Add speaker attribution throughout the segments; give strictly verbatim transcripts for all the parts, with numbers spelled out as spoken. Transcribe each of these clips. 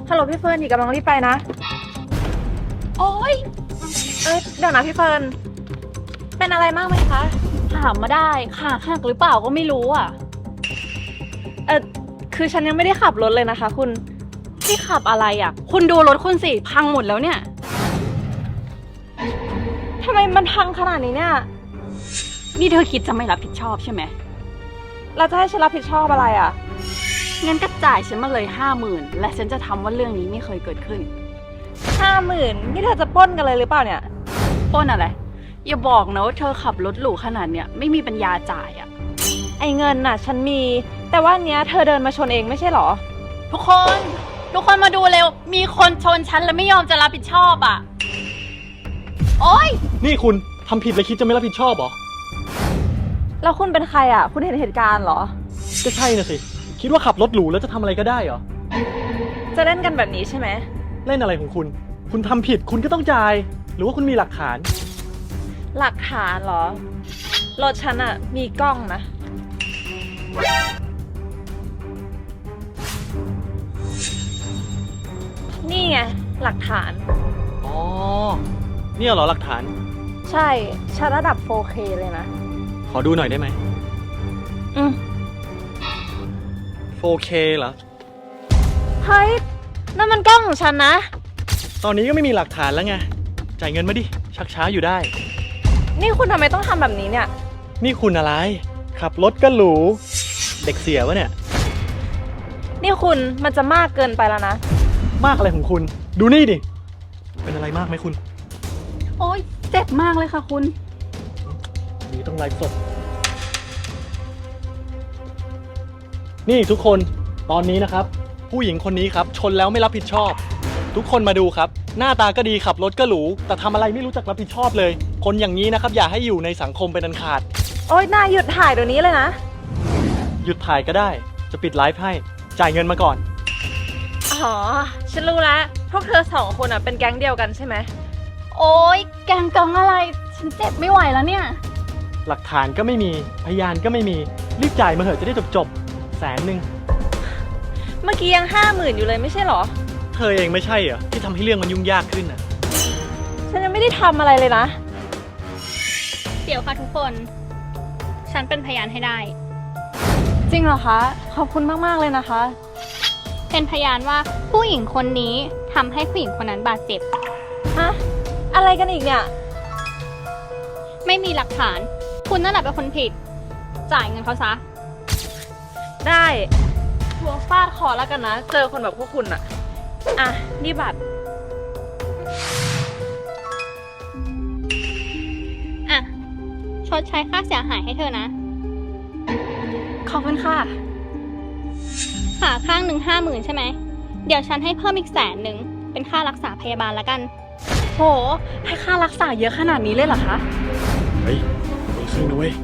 Speaker 1: ฮัลโหลพี่เฟิร์นหญิงกำลังรีบไปนะโอ๊ยเอ้ยเดี๋ยวนะพี่เฟิร์นเป็นอะไรมากไหมคะ
Speaker 2: ถามมาได้ขาหักหรือเปล่าก็ไม่รู้อ่ะ
Speaker 1: เออคือฉันยังไม่ได้ขับรถเลยนะคะคุณ
Speaker 2: ที่ขับอะไรอ่ะคุณดูรถคุณสิพังหมดแล้วเนี่ย
Speaker 1: ทำไมมันพังขนาดนี้เนี่ย
Speaker 2: นี่เธอคิดจะไม่รับผิดชอบใช่ไหม
Speaker 1: เราจะให้ฉันรับผิดชอบอะไรอ่ะ
Speaker 2: งั้นก็จ่ายฉันมาเลยห้าหมื่นและฉันจะทำว่าเรื่องนี้ไม่เคยเกิดขึ้น
Speaker 1: ห้าหมื่นนี่เธอจะปล้นกันเลยหรือเปล่าเนี่ย
Speaker 2: ปล้นอะไรอย่าบอกนะว่าเธอขับรถหรูขนาดเนี้ยไม่มีปัญญาจ่ายอ่ะ
Speaker 1: ไอ้เงินน่ะฉันมีแต่ว่าเนี้ยเธอเดินมาชนเองไม่ใช่หรอ
Speaker 2: ทุกคนทุกคนมาดูเร็วมีคนชนฉันแล้วไม่ยอมจะรับผิดชอบอ่ะโอ๊ย
Speaker 3: นี่คุณทำผิดแล้วคิดจะไม่รับผิดชอบเหรอ
Speaker 1: แล้วคุณเป็นใครอ่ะคุณเห็นเหตุการณ์เหรอ
Speaker 3: ก็ใช่น่ะสิคิดว่าขับรถหรูแล้วจะทำอะไรก็ได้เหรอ
Speaker 1: จะเล่นกันแบบนี้ใช่ไหม
Speaker 3: เล่นอะไรของคุณคุณทำผิดคุณก็ต้องจ่ายหรือว่าคุณมีหลักฐาน
Speaker 1: หลักฐานเหรอรถฉันอ่ะมีกล้องนะนี่ไงหลักฐาน
Speaker 3: อ๋อเนี่ยเหรอหลักฐาน
Speaker 1: ใช่ชัดระดับ โฟร์เค เลยนะ
Speaker 3: ขอดูหน่อยได้ไหม
Speaker 1: อืม
Speaker 3: โฟร์เค เหรอ
Speaker 1: เฮ้ยนั่นมันกล้องของฉันนะ
Speaker 3: ตอนนี้ก็ไม่มีหลักฐานแล้วไงจ่ายเงินมาดิชักช้าอยู่ได้
Speaker 1: นี่คุณทำไมต้องทำแบบนี้เนี่ย
Speaker 3: นี่คุณอะไรขับรถก็หรูเด็กเสียวะเนี่ย
Speaker 1: นี่คุณมันจะมากเกินไปแล้วนะ
Speaker 3: มากอะไรของคุณดูนี่ดิเป็นอะไรมากไหมคุณ
Speaker 2: โอ๊ยเจ็บมากเลยค่ะคุณ
Speaker 3: นี่ต้องไลฟ์สดนี่ทุกคนตอนนี้นะครับผู้หญิงคนนี้ครับชนแล้วไม่รับผิดชอบทุกคนมาดูครับหน้าตาก็ดีขับรถก็หรูแต่ทำอะไรไม่รู้จักรับผิดชอบเลยคนอย่างนี้นะครับอย่าให้อยู่ในสังคมเป็นอันขาด
Speaker 1: โอ๊ยนายหยุดถ่ายเดี๋ยวนี้เลยนะ
Speaker 3: หยุดถ่ายก็ได้จะปิดไลฟ์ให้จ่ายเงินมาก่อน
Speaker 1: อ๋อฉันรู้แล้วพวกเธอสองคนอ่ะเป็นแก๊งเดียวกันใช่ไหม
Speaker 2: โอ๊ยแก๊งกองอะไรฉันเจ็บไม่ไหวแล้วเนี่ย
Speaker 3: หลักฐานก็ไม่มีพยานก็ไม่มีรีบจ่ายมาเถอะจะได้จบจบแสนหนึ่ง
Speaker 1: เมื่อกี้ยังห้าหมื่นอยู่เลยไม่ใช่หรอ
Speaker 3: เธอเองไม่ใช่เหรอที่ทำให้เรื่องมันยุ่งยากขึ้นน่ะ
Speaker 1: ฉันยังไม่ได้ทำอะไรเลยนะ
Speaker 2: เดี๋ยวค่ะทุกคนฉันเป็นพยานให้ได้
Speaker 1: จริงเหรอคะขอบคุณมากๆเลยนะคะ
Speaker 2: เป็นพยานว่าผู้หญิงคนนี้ทำให้ผู้หญิงคนนั้นบาดเจ็บ
Speaker 1: ฮะอะไรกันอีกเนี่ย
Speaker 2: ไม่มีหลักฐานคุณนั่นแหละเป็นคนผิดจ่ายเงินเขาซะ
Speaker 1: ได้หัวฟาดคอแล้วกันนะเจอคนแบบพวกคุณอะอ่ะนี่บัตร
Speaker 2: อ่ะชดใช้ค่าเสียหายให้เธอนะ
Speaker 1: ขอบคุณค่ะ
Speaker 2: ขาข้างหนึ่งห้าหมื่นใช่ไหมเดี๋ยวฉันให้เพิ่มอีกแสนหนึ่งเป็นค่ารักษาพยาบาลละกัน
Speaker 1: โหให้ค่ารักษาเยอะขนาดนี้เลยเหรอคะ
Speaker 3: เฮ้ยคนละครึ่งนะเว้ย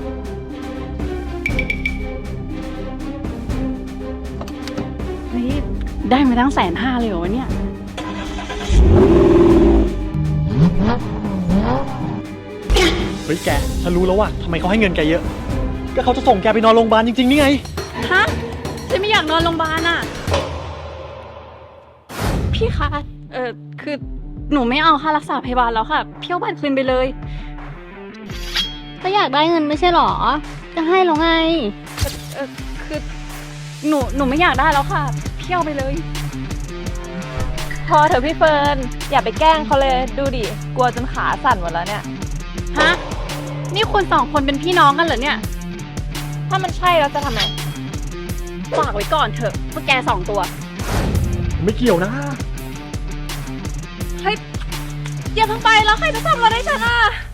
Speaker 2: นี่ได้มาตั้งแสนห้าเลยเหรอวะเนี่ย
Speaker 3: เฮ้ยแกฉันรู้แล้วว่าทำไมเขาให้เงินแกเยอะก็เขาจะส่งแกไปนอนโรงพยาบาลจริงๆนี่ไง
Speaker 2: ฮะฉันไม่อยากนอนโรงพยาบาลอ่ะพี่คะเออคือหนูไม่เอาค่ารักษาพยาบาลแล้วค่ะพี่เอาบัตรคืนไปเลยก็อยากได้เงินไม่ใช่หรอจะให้หรอไง
Speaker 1: เออคือ
Speaker 2: หนูหนูไม่อยากได้แล้วค่ะพี่เอาไปเลย
Speaker 1: พอเถอะพี่เฟิร์นอย่าไปแกล้งเขาเลยดูดิกลัวจนขาสั่นหมดแล้วเนี่ย
Speaker 2: ฮะนี่คุณสองคนเป็นพี่น้องกันเหรอเนี่ย
Speaker 1: ถ้ามันใช่แล้วจะทำไง
Speaker 2: ฝากไว้ก่อนเถอะพวกแกสองตัว
Speaker 3: ไม่เกี่ยวนะ
Speaker 1: เฮ้ยอย่าเพิ่งไปแล้วใครจะทำอะไรฉันอ่ะ